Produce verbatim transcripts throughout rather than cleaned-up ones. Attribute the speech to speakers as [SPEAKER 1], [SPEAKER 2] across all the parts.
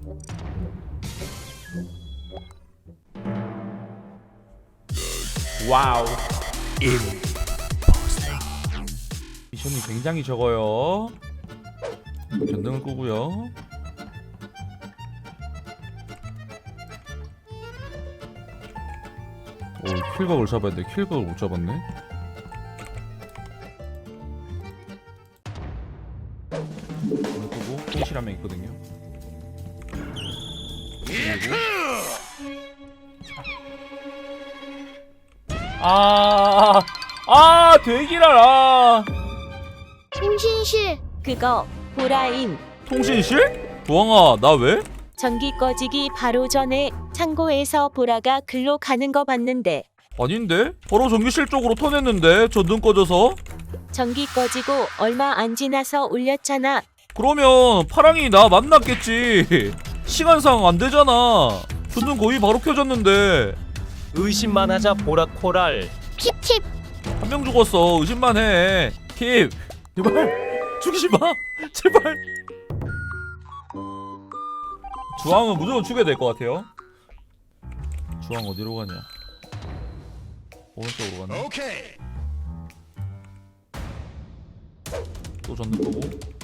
[SPEAKER 1] 와우. 미션이 굉장히 적어요. 전등을 끄고요. 오, 킬각을 잡아야 돼. 킬각을 못 잡았네. 전등 끄고 통실 한 명 있거든요. 그리고 아, 아, 되기라.
[SPEAKER 2] 통신실.
[SPEAKER 3] 그거 보라임.
[SPEAKER 1] 통신실? 부엉아, 나 왜?
[SPEAKER 3] 전기 꺼지기 바로 전에 창고에서 보라가 글로 가는 거 봤는데.
[SPEAKER 1] 아닌데? 바로 전기실 쪽으로 터냈는데 전등 꺼져서?
[SPEAKER 3] 전기 꺼지고 얼마 안 지나서 울렸잖아.
[SPEAKER 1] 그러면 파랑이 나 만났겠지. 시간상 안 되잖아. 전등 거의 바로 켜졌는데.
[SPEAKER 4] 의심만 하자 보라 코랄.
[SPEAKER 2] 킵팁.
[SPEAKER 1] 한 명 죽었어. 의심만 해. 킵. 제발 죽이지 마. 제발. 주황은 무조건 죽여야 될 것 같아요. 주황 어디로 가냐? 오른쪽으로 가네.
[SPEAKER 5] 오케이.
[SPEAKER 1] 또 전등 끄고.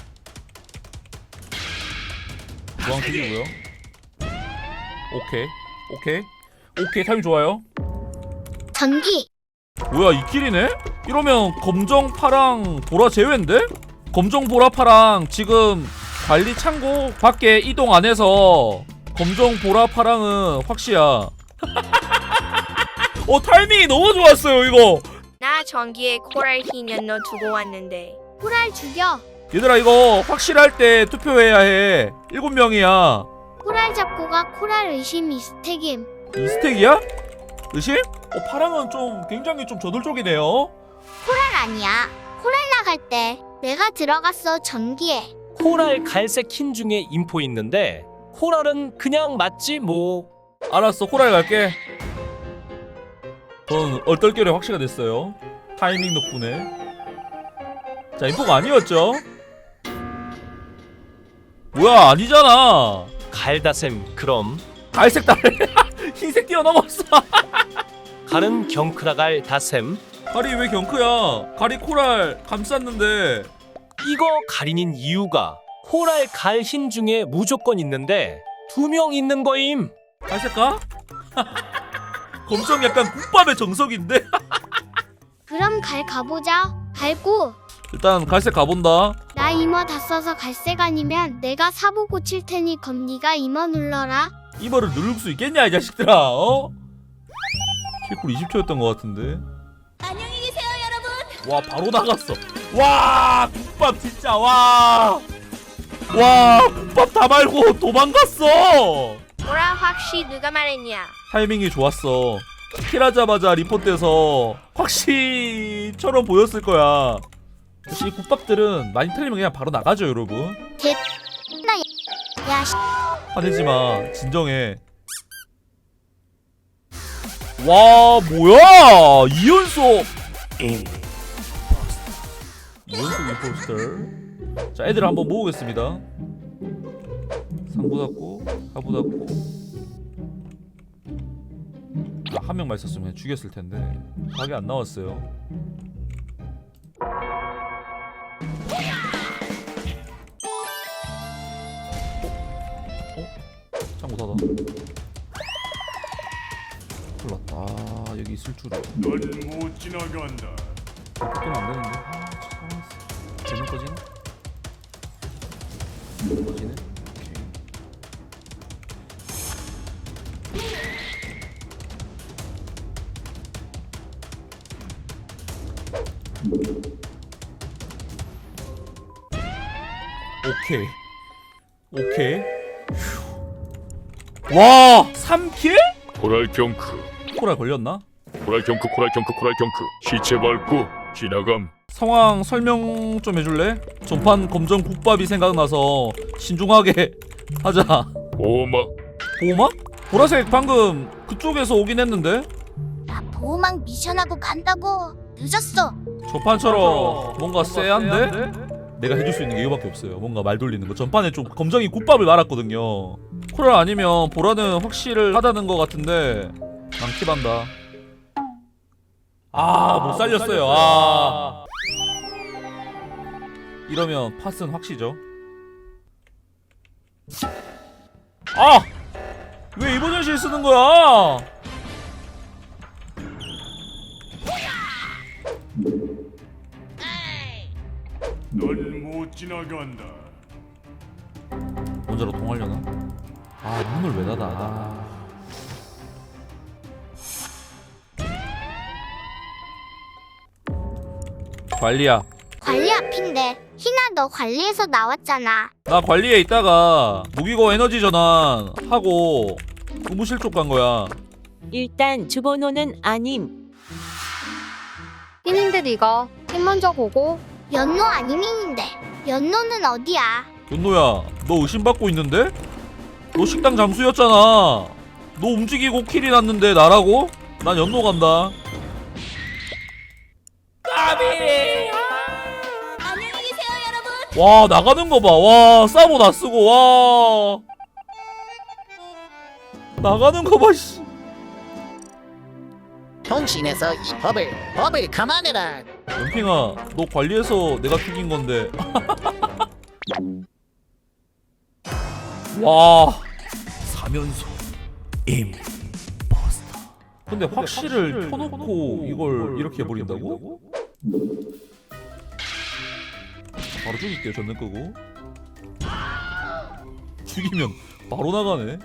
[SPEAKER 1] 주황 죽이고요. 오케이. 오케이. 오케이. 타임 좋아요.
[SPEAKER 2] 전기.
[SPEAKER 1] 뭐야, 이 킬이네? 이러면 검정, 파랑, 보라 제외인데? 검정, 보라, 파랑 지금 관리 창고 밖에 이동 안 해서 검정, 보라, 파랑은 확시야. 어, 타이밍이 너무 좋았어요 이거.
[SPEAKER 6] 나 전기에 코랄 흰 연너 두고 왔는데.
[SPEAKER 2] 코랄 죽여.
[SPEAKER 1] 얘들아, 이거 확실할 때 투표해야 해. 일곱 명이야.
[SPEAKER 2] 코랄 잡고 가. 코랄 의심 이스택임.
[SPEAKER 1] 이 스택이야? 의심? 어, 파랑은 좀 굉장히 좀 저돌적이네요.
[SPEAKER 2] 코랄 아니야. 코랄 나갈 때 내가 들어갔어 전기에.
[SPEAKER 4] 코랄 갈색 흰 중에 인포 있는데 코랄은 그냥 맞지 뭐.
[SPEAKER 1] 알았어, 코랄 갈게. 전 얼떨결에 확시가 됐어요. 타이밍 덕분에. 자, 인포가 아니었죠? 뭐야, 아니잖아.
[SPEAKER 4] 갈다셈. 그럼
[SPEAKER 1] 갈색 달래. 흰색 뛰어넘었어.
[SPEAKER 4] 갈은 경크라갈 다셈.
[SPEAKER 1] 갈이 왜 경크야? 갈이 코랄 감쌌는데.
[SPEAKER 4] 이거 갈인인 이유가 코랄 갈 흰 중에 무조건 있는데 두 명 있는 거임.
[SPEAKER 1] 갈색 가? 검정 약간 국밥의 정석인데?
[SPEAKER 2] 그럼 갈 가보자. 갈고.
[SPEAKER 1] 일단 갈색 가본다.
[SPEAKER 2] 나 임어 다 써서 갈색 아니면 내가 사보 고칠 테니 검니가 임어 눌러라.
[SPEAKER 1] 이거를 누를 수 있겠냐 이 자식들아. 어? 킬쿨 이십 초였던 것 같은데.
[SPEAKER 3] 안녕히 계세요, 여러분.
[SPEAKER 1] 와, 바로 나갔어. 와, 국밥 진짜. 와, 와, 국밥 다 말고 도망갔어.
[SPEAKER 6] 보라 확시 누가 말했냐?
[SPEAKER 1] 타이밍이 좋았어. 킬하자마자 리포트에서 확시처럼 보였을 거야. 역시 이 국밥들은 많이 틀리면 그냥 바로 나가죠, 여러분.
[SPEAKER 2] 개. 나. 야. 씨.
[SPEAKER 1] 화내지 마. 진정해. 와, 뭐야? 이연속. 이연속 임포스터. 자, 애들 한번 모으겠습니다. 상부 닫고, 하부 닫고. 아, 한 명만 있었으면 그냥 죽였을 텐데. 각이 안 나왔어요. 창고 닫아. 몰랐다. 아, 여기 있을 줄은.
[SPEAKER 5] 넌 못 지나간다.
[SPEAKER 1] 바뀌면 안 되는데. 아, 진짜. 되는 거지네? 되는 거지네? 오케이. 오케이. 오케이. 휴. 와, 삼 킬?
[SPEAKER 5] 코랄 경크.
[SPEAKER 1] 코랄 걸렸나?
[SPEAKER 5] 코랄 경크. 코랄 경크. 코랄 경크. 시체 밟고 지나감.
[SPEAKER 1] 상황 설명 좀 해줄래? 전판 검정 국밥이 생각나서 신중하게 하자.
[SPEAKER 5] 오막.
[SPEAKER 1] 보호막? 보라색 방금 그쪽에서 오긴 했는데?
[SPEAKER 2] 나 보호막 미션하고 간다고. 늦었어.
[SPEAKER 1] 전판처럼 뭔가 쎄한데? 내가 해줄 수 있는 게 이거밖에 없어요. 뭔가 말 돌리는 거. 전판에 좀 검정이 국밥을 말았거든요. 코랄 아니면 보라는 확실하다는 것 같은데 난 킵한다. 아, 못 살렸어요. 아, 이러면 팟은 확시죠. 아! 왜 이버전실 쓰는 거야?
[SPEAKER 5] 넌 못 지나간다.
[SPEAKER 1] 먼저로 동하려나? 아, 문을 왜 닫아? 아. 관리야.
[SPEAKER 2] 관리 앞인데. 희나 너 관리에서 나왔잖아.
[SPEAKER 1] 나 관리에 있다가 무기고 에너지 전환 하고 의무실 쪽 간 거야.
[SPEAKER 3] 일단 주번호는 아님.
[SPEAKER 7] 흰인데 니가 흰 먼저 보고.
[SPEAKER 2] 연노 아니민인데. 연노는 어디야?
[SPEAKER 1] 윤노야, 너 의심받고 있는데? 너 식당 잠수였잖아. 너 움직이고 킬이 났는데 나라고? 난 연노 간다. 까비!
[SPEAKER 3] 안녕히 계세요, 여러분.
[SPEAKER 1] 와, 나가는 거 봐. 와, 사보 다 쓰고. 와. 나가는 거 봐, 씨.
[SPEAKER 8] 통신에서 이 법을 법을 감안해라.
[SPEAKER 1] 연핑아, 너 관리해서 내가 죽인 건데. 와, 사면소 임포스터. 근데 확실을 켜놓고 이걸 이렇게 해버린다고? 바로 죽일게요. 전능 끄고. 죽이면 바로 나가네.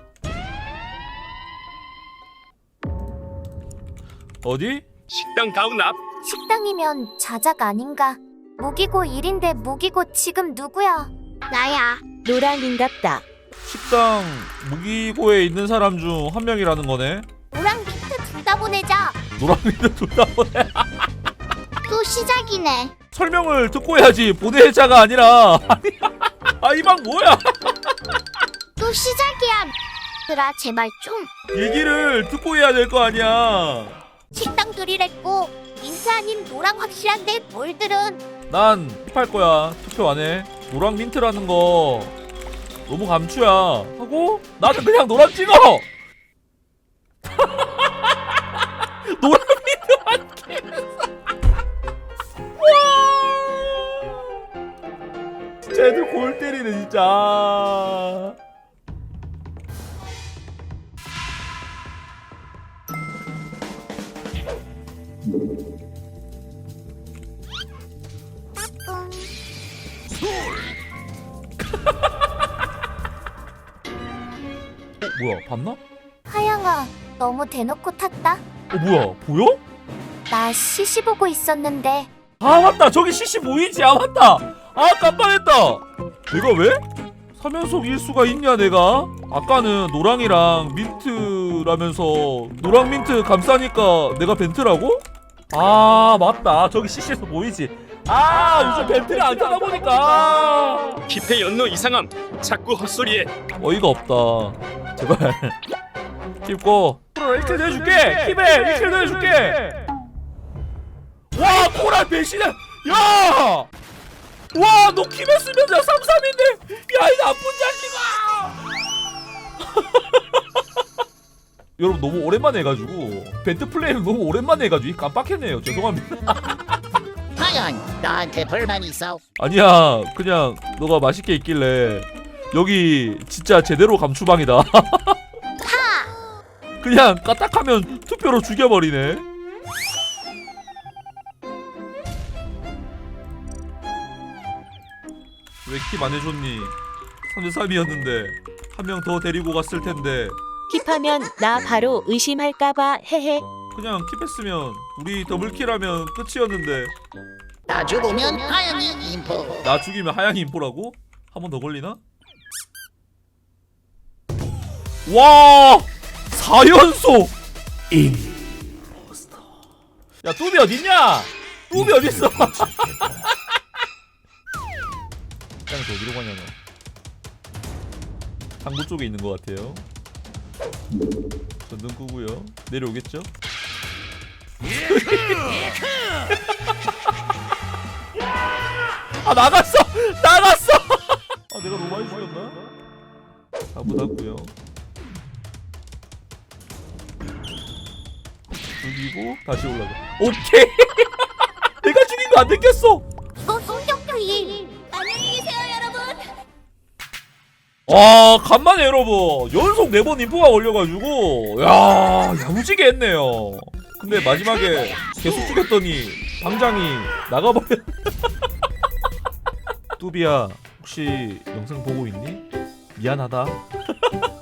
[SPEAKER 1] 어디?
[SPEAKER 5] 식당 가운 앞.
[SPEAKER 9] 식당이면 자작 아닌가? 무기고 일인데 무기고 지금 누구야?
[SPEAKER 2] 나야.
[SPEAKER 3] 노랑인갑다.
[SPEAKER 1] 식당 무기고에 있는 사람 중 한 명이라는 거네.
[SPEAKER 9] 노랑 민트 둘 다 보내자.
[SPEAKER 1] 노랑이도 둘다 보내.
[SPEAKER 2] 또 시작이네.
[SPEAKER 1] 설명을 듣고 해야지. 보내자가 아니라. 아, 이 방 뭐야?
[SPEAKER 2] 또 시작이야. 얘들아 제발 좀.
[SPEAKER 1] 얘기를 듣고 해야 될 거 아니야.
[SPEAKER 9] 식당 둘이랬고 민트 아닌 노랑 확실한데 뭘들은
[SPEAKER 1] 난 킵할 거야. 투표 안 해. 노랑 민트라는 거 너무 감추야. 하고 나는 그냥 노랑 찍어. 노랑 민트만 끼면서. 와. 진짜 애들 골 때리네 진짜. 어, 뭐야 봤나?
[SPEAKER 9] 하영아 너무 대놓고 탔다.
[SPEAKER 1] 어 뭐야 보여?
[SPEAKER 9] 나 시시 보고 있었는데
[SPEAKER 1] 아 맞다 저기 씨씨 보이지? 아 맞다 아 깜빡했다. 내가 왜? 사면속 일수가 있냐 내가? 아까는 노랑이랑 민트라면서 노랑 민트 감싸니까 내가 벤트라고? 아 맞다 저기 씨씨에서 보이지? 아 요즘 벤트를 안 타다 보니까
[SPEAKER 5] 킵의 연노 이상함. 자꾸 헛소리해.
[SPEAKER 1] 어이가 없다. 제발 킵고 프로 일 킬 더 해줄게. 킵에 일 킬 더 해줄게. 와 코랄 배신해. 야! 와 너 킵했으면 나 삼 삼인데 야 이 나쁜 자식아. 여러분 너무 오랜만에 해가지고 벤트 플레이를 너무 오랜만에 해가지고 깜빡했네요. 죄송합니다.
[SPEAKER 8] 하영, 나한테 불만 있어?
[SPEAKER 1] 아니야 그냥 너가 맛있게 있길래 여기 진짜 제대로 감추방이다. 그냥 까딱하면 투표로 죽여버리네. 왜 킵 안 해줬니? 삼 대 삼이었는데 한 명 더 데리고 갔을 텐데.
[SPEAKER 3] 킵하면 나 바로 의심할까봐 헤헤.
[SPEAKER 1] 그냥 킵했으면 우리 더블킬하면 끝이었는데.
[SPEAKER 8] 나 죽으면 하영이 인포.
[SPEAKER 1] 나 죽이면 하양이 인포라고? 한 번 더 걸리나? 와! 사 연속! 임포스터. 야 뚜비 어딨냐? 뚜비 어딨어? 땅에서 어디로 가냐고. 당구 쪽에 있는 것 같아요. 전등 끄고요. 내려오겠죠? 아 나갔어! 나갔어! 아 내가 너무 많이 죽였나? 가보다고요. 죽이고 다시 올라가. 오케이. 내가 죽인 거 안 느꼈어.
[SPEAKER 9] 너 성격주의.
[SPEAKER 1] 와 간만에 여러분 연속 네 번 인포가 걸려가지고 야 야무지게 했네요. 근데 마지막에 계속 죽였더니 방장이 나가버려. 뚜비야 혹시 영상 보고 있니? 미안하다.